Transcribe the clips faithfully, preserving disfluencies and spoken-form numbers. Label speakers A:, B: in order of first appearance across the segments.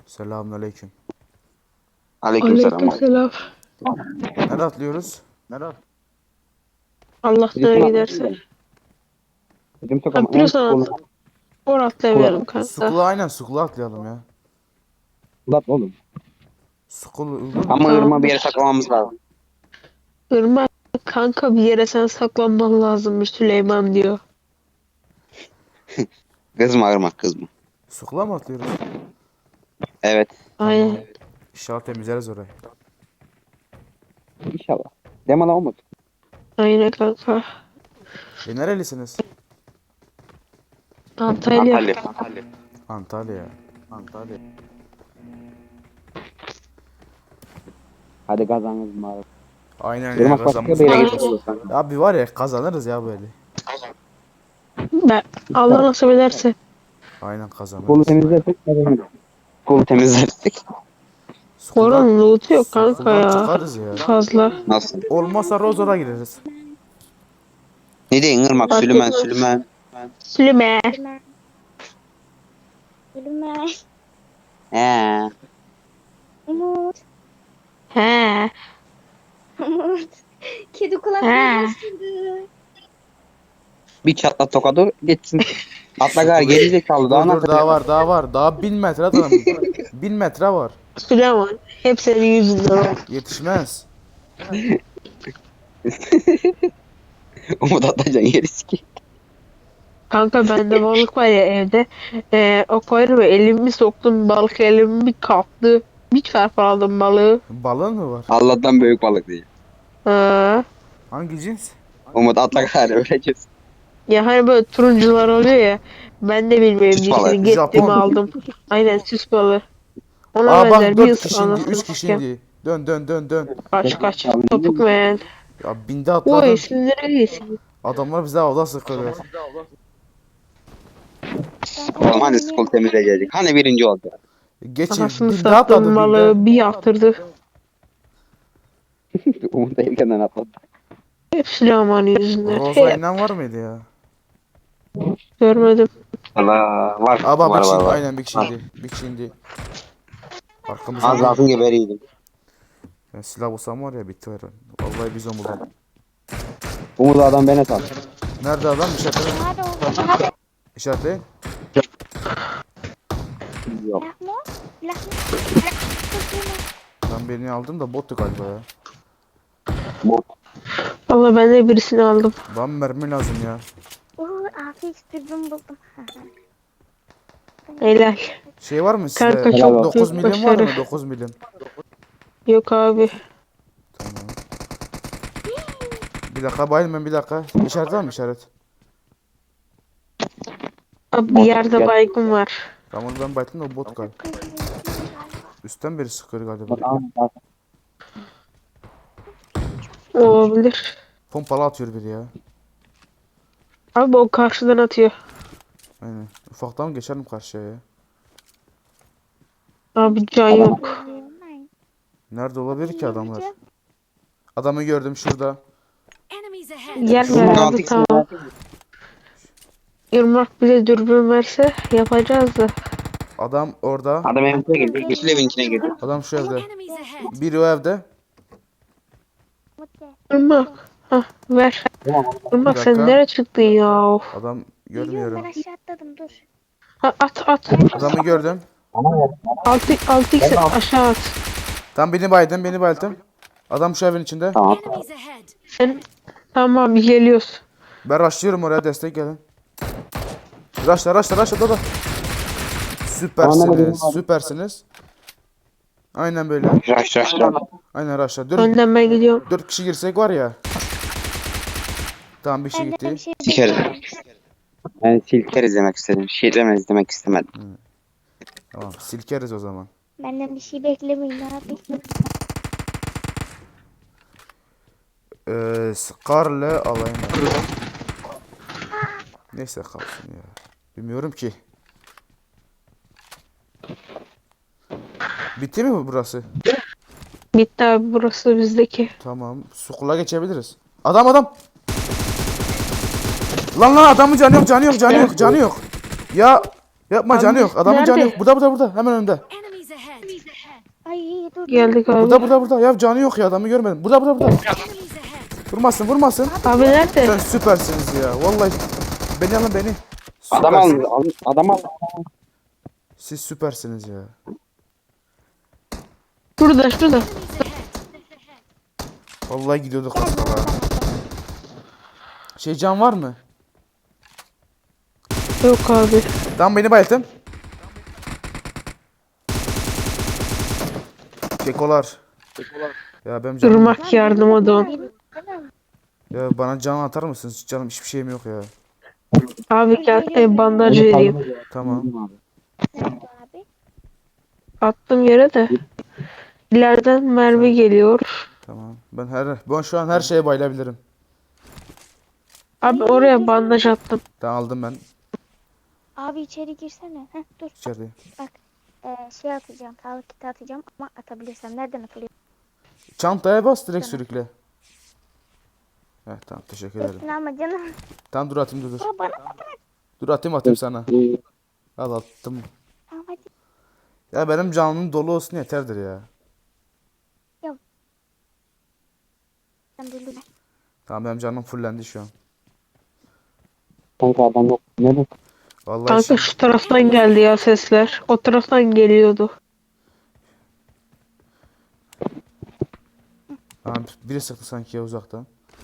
A: Selamünaleyküm.
B: Aleykümselam.
C: Aleykümselam.
A: Nerede atlıyoruz?
C: Allah
B: Bizim
C: nereye
B: sokak-
C: giderse.
B: Bizim
C: Ha,
B: sokağın en
C: biraz sonra
B: kolu
C: or atlayalım kanka.
A: Sukula aynen sukula atlayalım ya.
B: Lat oğlum.
A: Sukul uygun mu?
B: Ama
C: Tamam.
B: ırma bir yere saklamamız lazım.
C: Irmak kanka bir yere sen saklanman lazımmış Süleyman diyor.
B: Kızma ırmak kızma.
A: Sukula mı atlıyoruz?
B: Evet.
C: Aynen.
A: İnşallah temizleriz orayı.
B: İnşallah. Demala olmaz.
C: Aynen kanka.
A: E nerelisiniz?
C: Antalya.
B: Antalya.
A: Antalya. Antalya.
B: Hadi kazanırız mağara.
A: Aynen ya
B: Irmak başka
A: kazanırız.
B: bir yere
C: Aynen.
B: gidiyoruz.
A: Abi var ya kazanırız ya böyle.
C: Ben, Allah nasip ederse.
A: Aynen
B: Kolu
A: kazanırız.
B: temizlersek kazanırız. Kolu temizlersek.
A: Sukuldan,
C: Oranın loot'u yok kanka
A: sukuldan
C: ya.
A: çıkarız ya.
C: Fazla.
B: Nasıl?
A: Olmazsa Rozor'a gireriz.
B: Ne diyeyim ırmak?
C: Fark
B: Süleyman
C: etmez.
B: Süleyman.
C: Süleyman.
D: Gülme.
B: He.
D: Umut.
C: He.
D: Umut. Kedi
C: He.
D: kulaklarını ısırdı.
B: Bir çatla tokadı geçsin. Atla gar geri zekalı daha
A: Dur
B: ne
A: dur daha var daha var. Daha bin metre atalım. Bin metre var.
C: Süleyman. Hep senin yüzünden.
A: Yetişmez.
B: Umut atlayacaksın yeri sikeyim.
C: Kanka bende balık var ya evde. Ee, o koyarım elimi soktum balık elimi bir kalktı. Bir çarpı aldım balığı.
A: Balığın mı var?
B: Allah'tan büyük balık değil.
C: Ha.
A: Hangi cins?
B: Umut atla gar öleceğiz.
C: Ya hani böyle turuncular oluyor ya. Ben de bilmiyorum
B: Süs balığı.
C: cinsini. Gittim
A: Japon.
C: aldım. Aynen süs balığı. Ona
A: Aa
C: benzer
A: bak
C: bir
A: dört
C: ısır
A: kişi indi.
C: anasını
A: Üç kişi
C: satayım.
A: indi. Dön dön dön dön.
C: Kaç kaç. Topuk men.
A: Ya binde
C: Oy
A: atladın.
C: sizlere iyisin.
A: Adamlar bize avda sıkıyorlar.
B: Oğlum hani skol temizleyecektik. Hani birinci oldu.
A: Geçin.
C: Anasını
A: Binde atladı
C: sattım balığı
A: binde.
C: bir yaptırdı.
B: Umut erkenden atladı.
C: Hep Süleyman yüzünden.
A: Roza
C: Hep
A: inen var mıydı ya?
C: görmedim.
B: Allah var.
A: Aa bak bir
B: var
A: kişi
B: var
A: indi.
B: var.
A: Aynen bir kişi indi. Bir kişi indi. Arkamızdan.
B: Az lafın geberiydim.
A: Ben silah bulsam var ya bitti var. Vallahi biz onu bulduk.
B: Umut adam beni sal.
A: Nerede adam? İşaretleyin.
D: Nerede oldu?
A: İşaretleyin.
B: Yok.
D: Lahmo? Lahmo?
A: Ben birini aldım da bottu galiba ya.
B: Bu.
C: Valla ben de birisini aldım.
A: Bana mermi lazım ya.
D: Oo, afiyet dürbün buldum.
C: Helal.
A: Şey var mı
C: Kanka
A: sizde?
C: çok
A: dokuz
C: büyük
A: milim var mı?
C: başarı.
A: dokuz milim.
C: Yok abi.
A: Tamam. Bir dakika bayılmayın bir dakika. İşaret var mı işaret?
C: Abi bir yerde baygın var.
A: Tamam ben bayıldım da o bot galiba. Üstten biri sıkıyor galiba.
C: Olabilir.
A: Pompalı atıyor biri ya.
C: Abi o karşıdan atıyor.
A: Aynen. Ufaktan geçerim karşıya ya.
C: Abi can yok.
A: Nerede olabilir ki adamlar? Adamı gördüm şurada.
E: Enemies ahead.
C: Yer ver abi tamam. Irmak bize dürbün verse yapacağız da.
A: Adam orada.
B: Adam evin içine girdi. Yeşil evin içine girdi.
A: Adam şu evde.
E: Enemies ahead.
A: Biri o evde.
C: Irmak. Hah ver. Irmak
A: Bir
C: sen
A: dakika.
C: nereye çıktın ya? Of.
A: Adam
D: Geliyorum
A: görmüyorum.
D: ben aşağı atladım dur.
C: Ha, at at.
A: Adamı gördüm.
C: Altı altı x aşağı at.
A: Tam beni baydım, beni baydım. Adam şu evin içinde.
B: Tamam.
E: Enemies ahead.
C: Sen tamam geliyoruz.
A: Ben rushlıyorum oraya destek gelin. Rushla rushla rushla da da. Süpersiniz, süpersiniz. Aynen böyle.
B: Raş raş raş.
A: Aynen rushla. Dört,
C: Önden ben gidiyorum.
A: dört kişi girsek var ya. Tamam bir şey
D: Ben de
A: gitti.
D: bir şey
B: Sikeriz. Ben silkeriz demek istedim. Şiirlemez demek istemedim.
A: Tamam silkeriz o zaman.
D: benden bir şey beklemeyin abi.
A: Ee, Scar'le alayım. ben. Neyse kalsın ya. Bilmiyorum ki. Bitti mi bu burası?
C: Bitti abi burası bizdeki.
A: Tamam. Sukula geçebiliriz. Adam adam. Lan lan adamın canı yok canı yok canı yok canı yok. Ya yapma
C: Abi,
A: canı yok. Adamın canı
C: nerede?
A: yok. Burada burada burada. Hemen önümde.
E: Enemies ahead.
D: Ay dur.
C: Geldik abi.
A: Burada burada burada. Ya canı yok ya, adamı görmedim. Burada burada burada.
E: Enemies ahead.
A: Vurmasın vurmasın.
C: Abi nerede?
A: Sen süpersiniz ya. Vallahi beni alın beni.
B: Adam
A: Süpersiniz.
B: al, al adam al.
A: Siz süpersiniz ya.
C: Şurada şurada.
E: Enemies ahead.
A: Vallahi gidiyorduk az kala. Şey, can var mı?
C: Yok abi.
A: Tamam, beni bayılttın. Kekolar. Ya benim canım.
C: Durmak yardıma don.
A: Ya bana can atar mısınız? Canım, hiçbir şeyim yok ya.
C: Abi gel e, bandaj vereyim.
A: Tamam.
D: Nerede abi?
C: Attım yere de. İleriden mermi geliyor.
A: Tamam. Ben her ben şu an her şeye bayılabilirim.
C: Abi oraya bandaj attım.
A: Tamam, aldım ben
D: Abi içeri girsene. Heh, dur.
A: içerideyim.
D: Ee, şey atacağım. Sağlık kiti atacağım ama atabilirsem. Nereden atılıyor?
A: Çantaya bas, direkt sürükle. Heh, tamam, teşekkür ederim.
D: Hepsini ama canım.
A: Tamam, dur atayım, dur dur.
D: Aa, bana
A: Dur atayım atayım sana. Al, attım.
D: tamam hadi.
A: Ya benim canım dolu olsun yeterdir ya.
D: Sen dur dur.
A: Tamam, benim canım fullendi şu an.
B: Kanka adam yok. Ne bu?
A: Vallahi
C: Kanka
A: şimdi-
C: şu taraftan geldi ya sesler. O taraftan geliyordu.
A: Tamam, biri sıktı sanki ya uzaktan.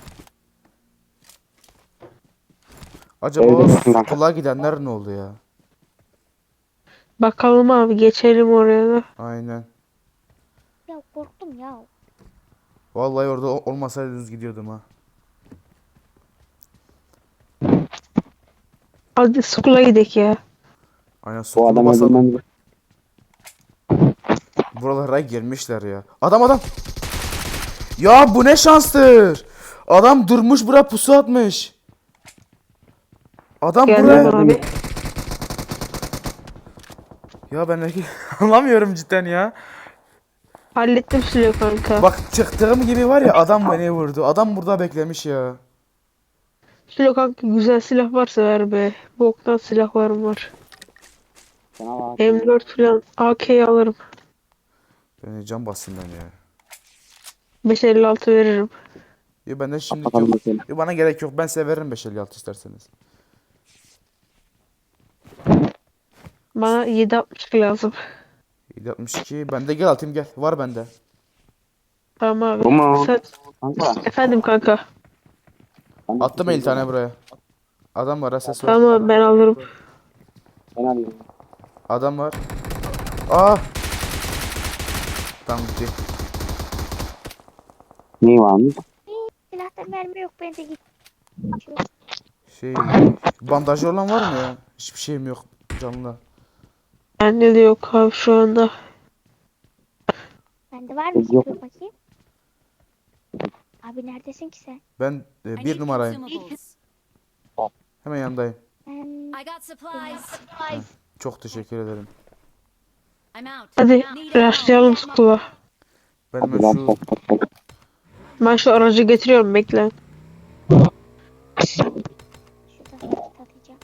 A: Acaba
B: Evde
A: o
B: misin kanka?
A: kulağa gidenler ne oldu ya?
C: Bakalım abi, geçelim oraya da.
A: Aynen.
D: Ya korktum ya.
A: Vallahi orada o- olmasaydınız gidiyordum ha.
C: Hadi skula gidelim ya.
A: Aynen,
B: O
A: sokulu
B: adam
A: basalım.
B: öldürmem.
A: Buralara girmişler ya. Adam adam. Ya bu ne şanstır. Adam durmuş, buraya pusu atmış. Adam
C: Geldim
A: buraya.
C: abi.
A: Ya ben de- anlamıyorum cidden ya.
C: Hallettim Süleyman kanka.
A: Bak, çıktığım gibi var ya, adam beni vurdu. Adam burada beklemiş ya.
C: Süleyman kanka, güzel silah varsa ver be. Boktan silahlarım var.
B: Sana bak.
C: M dört falan A K'yi alırım.
A: Beni can bassın ben ya.
C: beş elli altı veririm.
A: Ya bende şimdi
B: Bakalım
A: yok.
B: bakalım.
A: Ya bana gerek yok. Ben size veririm beş elli altı isterseniz.
C: Bana yedi altmış lazım.
A: yedi altmış iki. Bende, gel atayım gel. Var bende.
C: Tamam abi.
B: Bu mu?
C: Sen...
B: Kanka.
C: Efendim kanka.
A: Attım elli tane buraya. Adam var, ses var.
C: Tamam, ben alırım.
B: Ben alayım.
A: Adam var. Aa. Tamam, gitti.
B: Neyi varmış?
D: Silahta mermi yok. Ben de git.
A: Şey, bandajı olan var mı ya? Hiçbir şeyim yok canlı.
C: Bende de yok abi şu anda.
D: Bende var mı?
B: Yok.
D: Dur bakayım. Abi neredesin ki sen?
A: Ben e,
E: I
A: bir
E: need
A: numarayım.
E: consumables.
A: Hemen yanındayım.
D: Ben...
E: I got supplies.
A: Çok teşekkür ederim.
E: I'm out.
C: Hadi
E: Need ammo.
C: rushlayalım skula.
A: Ben
B: Hadi
A: hemen
B: lan
A: şu
B: bak bak bak.
C: Ben şu aracı getiriyorum, bekle.
D: Şuradan kit atacağım.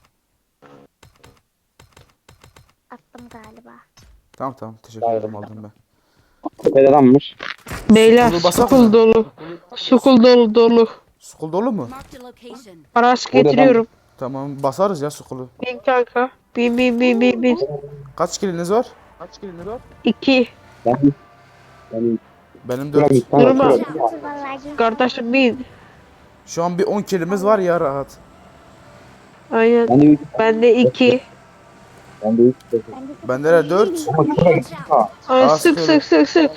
D: Attım galiba.
A: tamam tamam, teşekkür ederim, aldım ben.
B: Tepede adammış.
C: Beyler
A: Skulu basak
C: skul
A: mı?
C: dolu. Skul dolu dolu.
A: Skul dolu mu?
E: Marked a location.
C: Araç
B: Burada
C: getiriyorum.
A: Tamam, basarız ya skulu.
C: Bin kanka. Bin bin bin bin bin.
A: Kaç kiliniz var?
C: İki.
B: Ben ben
A: Benim
B: Şuraya
A: dört.
B: git. Kanka,
C: Durma.
B: şuraya git.
D: Dur vallahi.
C: Kardeşim bin.
A: Şu an bir on kilimiz var ya, rahat.
C: Aynen.
B: Ben de üç.
C: Bende iki.
B: Ben de üç.
D: Ben de
A: Bende de dört.
B: Ama şuraya git. Ha.
C: Ay
A: Aa,
C: sık
A: sıkıyorum.
C: sık sık sık.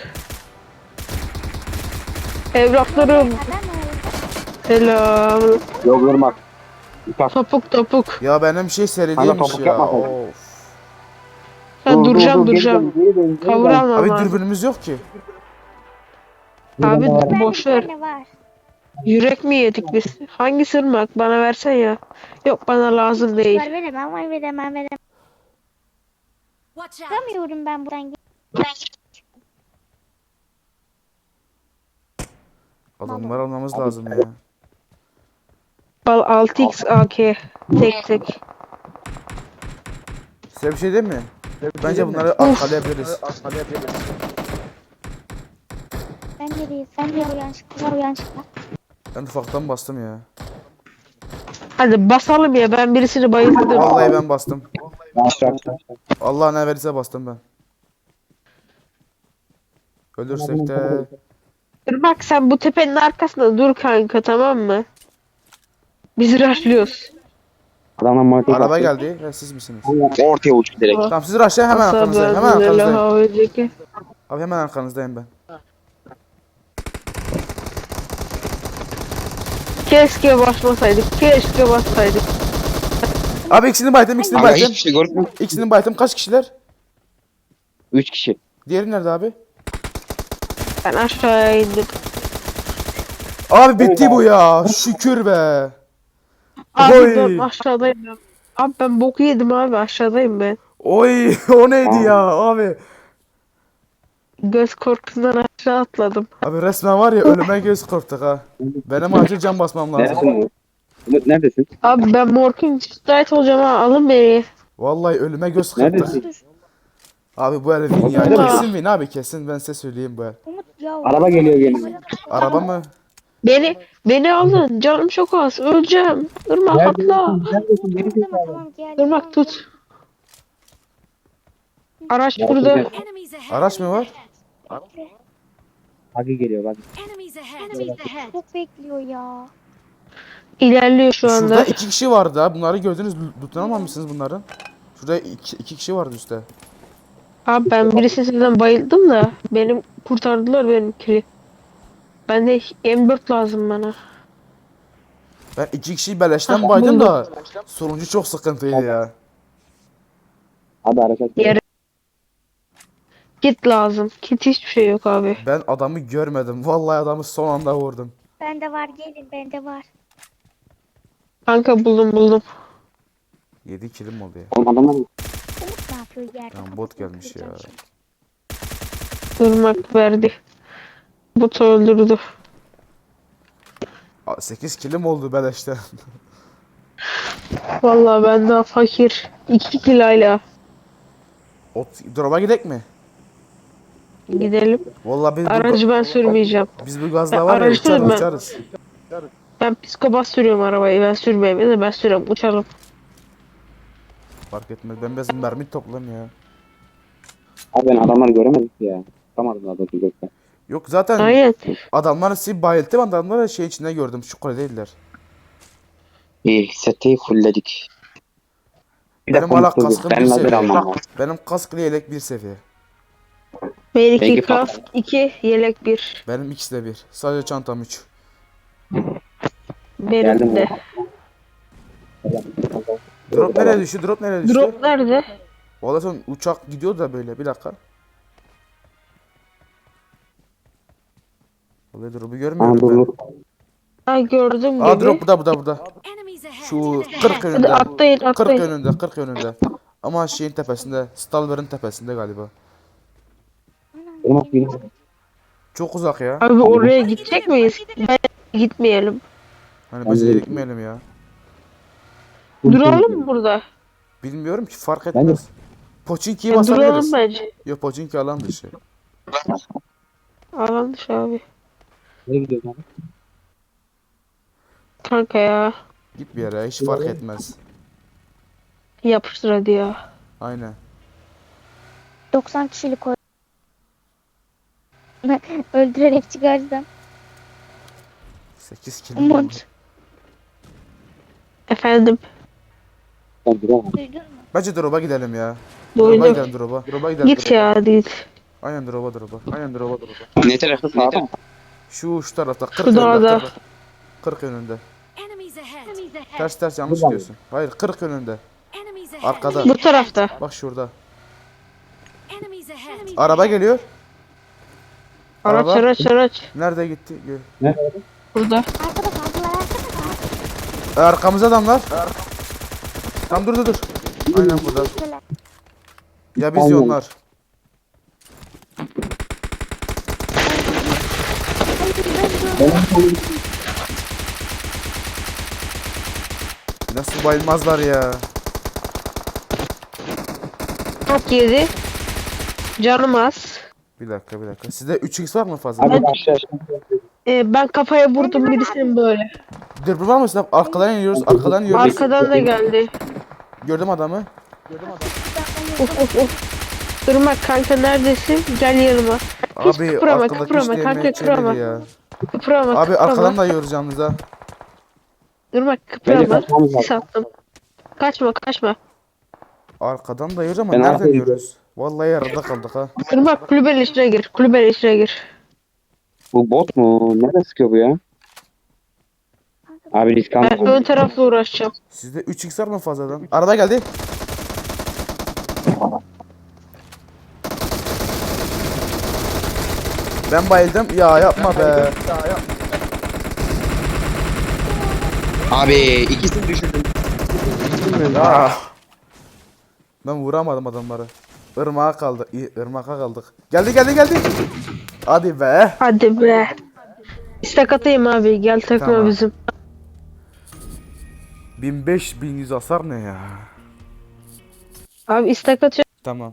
C: Evlatlarım.
D: Adam var.
C: Selam.
B: Yok yormak. Uçak.
C: Topuk topuk.
A: Ya benim şey
B: Kanka,
A: seriliymiş
B: topuk
A: ya.
B: yapma sen.
A: Of.
C: Ben duracağım
B: geri
C: duracağım.
B: dön, geri dön, geri
C: Kavur
B: dön.
C: almam
A: Abi
C: lazım.
A: dürbünümüz yok ki.
C: Abi
D: Ben
C: boş
D: bir
C: ver.
D: tane var.
C: Yürek mi yedik biz? Hangi sırmak? Bana versen ya. Yok, bana lazım değil.
D: Var veremem, var veremem, veremem.
E: Watch out.
D: Çıkamıyorum ben buradan.
A: Adamları almamız lazım ya.
C: Al altı x A K. Tek tek.
A: Size bir şey diyeyim mi? Bence bunları arkalayabiliriz.
D: neredeyiz? Sen de uyan çıkma. Uyan çıkma.
A: Ben ufaktan bastım ya.
C: Hadi basalım ya, ben birisini bayıldım.
A: Vallahi ben bastım.
B: Aşağı aşağı.
A: Allah ne verirse bastım ben. Ölürsek de
C: Dur bak, sen bu tepenin arkasında dur kanka, tamam mı? Biz rushlıyoruz.
B: Adamlar markete
A: araba
B: bastı.
A: geldi. Ya siz misiniz?
B: Ortaya uçtu direkt.
A: Tamam siz rushlayın, hemen arkanızdayım. Hemen arkanızdayım.
C: arkanızdayım.
A: Abi hemen arkanızdayım ben.
C: Keşke basmasaydık. Keşke bassaydık.
A: Abi ikisini baydım, ikisini
B: Ama
A: baydım.
B: hiçbir şey görmüyorum.
A: İkisini baydım. Kaç kişiler?
B: Üç kişi.
A: Diğeri nerede abi?
C: Ben aşağıya indim.
A: Abi bitti bu ya. Şükür be.
C: Abi
A: Oy.
C: ben aşağıdayım. ben. Abi ben boku yedim abi, aşağıdayım ben.
A: Oy o neydi ya abi?
C: Göz korkusundan aşağı atladım.
A: Abi resmen var ya, ölüme göz korktuk ha. Benim acil can basmam lazım.
B: Neredesin? Umut neredesin?
C: Abi ben Morkin müsait olacağım ha, alın beni.
A: Vallahi ölüme göz kırptık.
B: Neredesin?
A: Abi bu el win ya.
C: Allah.
A: Kesin win abi, kesin, ben size söyleyeyim bu el.
D: Umut ya.
B: Araba geliyor geliyor.
A: Araba mı?
C: Beni beni alın, canım çok az, öleceğim. Irmak atla.
B: Neredesin? Geri
D: Tamam
B: zekalı.
D: tamam gel.
C: Irmak tut. Araç burada.
E: Enemies ahead.
A: Araç mı var?
B: Bagi geliyor bagi.
E: Enemies ahead. Enemies ahead.
D: Çok bekliyor ya.
C: İlerliyor şu
A: Şurada
C: anda.
A: iki kişi vardı ha. Bunları gördünüz. Tutunamamışsınız bunların. Şurada iki, iki kişi vardı üstte.
C: Abi ben birisinden bayıldım da benim kurtardılar benimkini. Ben de M dört lazım bana.
A: Ben iki kişiyi beleşten
C: Ah,
A: baydım
C: buldum.
A: da sonuncu çok sıkıntıydı ya.
B: Hadi araç aç.
C: Yere kit lazım. Kit hiçbir şey yok abi.
A: Ben adamı görmedim. Vallahi adamı son anda vurdum.
D: Bende var gelin bende var.
C: Kanka buldum buldum.
A: yedi kilim oldu ya.
B: Oğlum adamlar
D: Umut ne yapıyor yerde?
A: Lan bot gelmiş ya.
D: Kıracağım şimdi.
C: Irmak verdi. Botu öldürdü.
A: sekiz kilim oldu beleşten.
C: Vallahi ben daha fakir. iki kilayla
A: Ot, drop'a gidek mi?
C: gidelim.
A: Vallahi biz bu,
C: Aracı ben sürmeyeceğim.
A: biz bu gazla
C: Ben
A: var ya
C: aracı
A: uçarız
C: ben-
A: uçarız.
C: Ben psikopat sürüyorum arabayı. Ben sürmeyeyim de ben sürüyorum. Uçalım.
A: Fark etmez. Ben biraz mermi toplam ya.
B: Abi ben adamları göremedik ya. Tutamadım daha doğrusu gökten.
A: Yok zaten
C: Aynen.
A: adamlar sizi bayılttı, adamları şey içinde gördüm. Şu kule değiller.
B: İyi seti fullledik. Bir
A: Benim
B: dakika
A: hala
B: unuttum.
A: kaskım
B: Ben
A: bir
B: lazer
A: seviye.
B: almam lazım.
A: Benim kask ile yelek bir seviye.
C: Bir iki
B: Peki,
C: kask, iki yelek bir.
A: Benim ikisi de bir. Sadece çantam üç.
C: Benim
B: Geldim
C: de.
A: Drop nereye düştü? Drop nereye düştü?
C: Drop nerede?
A: Vallahi son uçak gidiyor da böyle. Bir dakika. Vallahi drop'u
B: Aa
A: görmüyorum
B: dur
A: ben.
B: dur.
C: Ha gördüm
A: Aa
C: gibi.
A: drop burada burada burada.
E: Enemies ahead.
A: Şu
E: Enemies
A: kırk
E: ahead.
C: Hadi
A: önünde.
C: atlayın
A: kırk
C: atlayın.
A: önünde, kırk önünde. Ama şeyin tepesinde, Stalwer'ın tepesinde galiba.
B: Irmak benim.
A: Çok uzak ya.
C: Abi oraya gidecek miyiz? Ben gitmeyelim.
A: Hani biz yere gitmeyelim ya.
C: Duralım mı burada?
A: Bilmiyorum ki, fark
B: Bence-
A: etmez. Poçinki'yi
C: Ya duralım
A: basabiliriz.
C: bence.
A: Yok, Poçinki alan dışı.
C: Alan dışı abi.
B: Nereye gidiyorsun abi?
C: Kanka ya.
A: Git bir yere, hiç fark etmez.
C: Yapıştır hadi ya.
A: Aynen.
D: doksan kişilik o. Öldürerek çıkardım.
A: sekiz kilim oldu.
D: Umut.
C: Efendim.
B: Ben duramam.
D: Duydun mu?
A: Bence drop'a gidelim ya. Drop'a
C: Duydum.
A: gidelim drop'a. Drop'a gidelim.
C: Git ya hadi git.
A: Aynen drop'a drop'a. Aynen drop'a drop'a.
B: Ne tarafta sağda mı?
A: Şu şu tarafta kırk
C: Şu
A: önünde.
C: dağda.
A: kırk kırk önünde.
E: Enemies ahead. Enemies ahead.
A: Ters ters yanlış
B: Buradan.
A: gidiyorsun. Hayır, kırk önünde.
E: Enemies ahead.
A: Arkada.
C: Bu tarafta.
A: Bak şurada.
E: Enemies ahead.
A: Araba geliyor.
C: Araç
A: Araba.
C: araç araç.
A: Nerede gitti? Gör.
B: Nerede?
C: Burada.
D: Arkada kaldılar arkada.
A: E, arkamızda adamlar. Tamam dur dur dur. Aynen burada.
D: Şöyle.
A: Ya biz
B: Aynen.
A: ya onlar. Nasıl bayılmazlar ya?
C: Çok yedi. Canım az.
A: Bir dakika bir dakika. Sizde üç x var mı fazla?
B: Abi aşağı.
C: Ee, ben kafaya vurdum birisinin böyle.
A: Dürbün var mı sizde? Arkadan iniyoruz. Arkadan iniyoruz.
C: Arkadan da geldi.
A: Gördüm adamı.
C: Of of of. Durma kanka neredesin? Gel yanıma. Hiç
A: Abi
C: kıpırama
A: arkadaki
C: kıpırama
A: işte
C: kanka
A: yemeği
C: kıpırama.
A: çevir ya.
C: Kıpırama
A: Abi
C: kıpırama.
A: arkadan da yiyoruz yalnız ha.
C: Durma
B: Bence
C: kıpırama.
B: kaçmamız lazım.
C: Sis attım. Kaçma kaçma.
A: Arkadan da yiyoruz ama
B: Ben
A: nereden
B: arkayı-
A: yiyoruz? Vallahi yarıda kaldık ha.
C: Durma kulübenin içine gir. Kulübenin içine gir.
B: Bu bot mu? Nerede sıkıyor bu ya? Abi risk
C: Ben
B: alma.
C: ön tarafla uğraşacağım.
A: Sizde üç x var mı fazladan? Araba geldi. Ben bayıldım. Ya yapma be.
B: Abi ikisini düşürdüm.
A: Ya. Ben vuramadım adamları. Irmağa kaldı. İyi, ırmağa kaldık. Geldi geldi geldi. Hadi be.
C: Hadi be. İstek atayım abi. Gel takma
A: Tamam.
C: bizim.
A: bin beş bin yüz hasar ne ya?
C: Abi istek atıyor.
A: Tamam.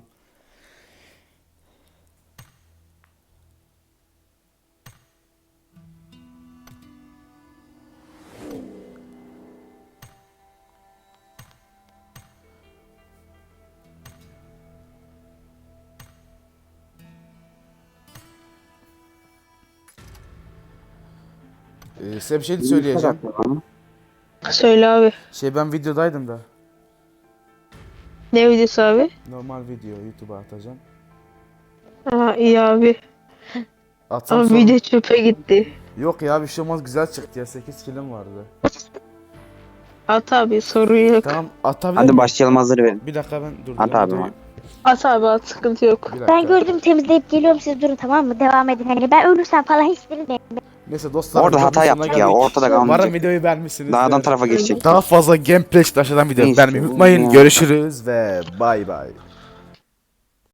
A: Ee, size bir şey söyleyeceğim.
C: Söyle abi.
A: Şey ben videodaydım da.
C: Ne videosu abi?
A: Normal video YouTube'a atacağım.
C: Aa iyi abi.
A: Atsam
C: Ama
A: sorun-
C: video çöpe gitti.
A: Yok ya bir şey olmaz güzel çıktı ya sekiz kilim vardı.
C: At abi sorun yok.
A: Tamam atabilir
B: Hadi
A: miyim?
B: başlayalım, hazır verin.
A: Bir dakika ben dur.
B: At abi.
C: At abi at sıkıntı yok.
A: Bir dakika.
D: Ben gördüm temizleyip geliyorum, siz durun tamam mı? Devam edin. Hani ben ölürsem falan hiç bilmiyorum.
A: Neyse dostlar.
B: Orada
A: videonun
B: hata
A: sonuna
B: yaptık ya,
A: geldik.
B: ortada
A: Umarım
B: kalmayacak.
A: videoyu beğenmişsiniz.
B: Dağdan tarafa geçecek.
A: Daha fazla gameplay için aşağıdan video
B: Neyse,
A: beğenmeyi unutmayın.
B: ya.
A: Görüşürüz ve bay bay.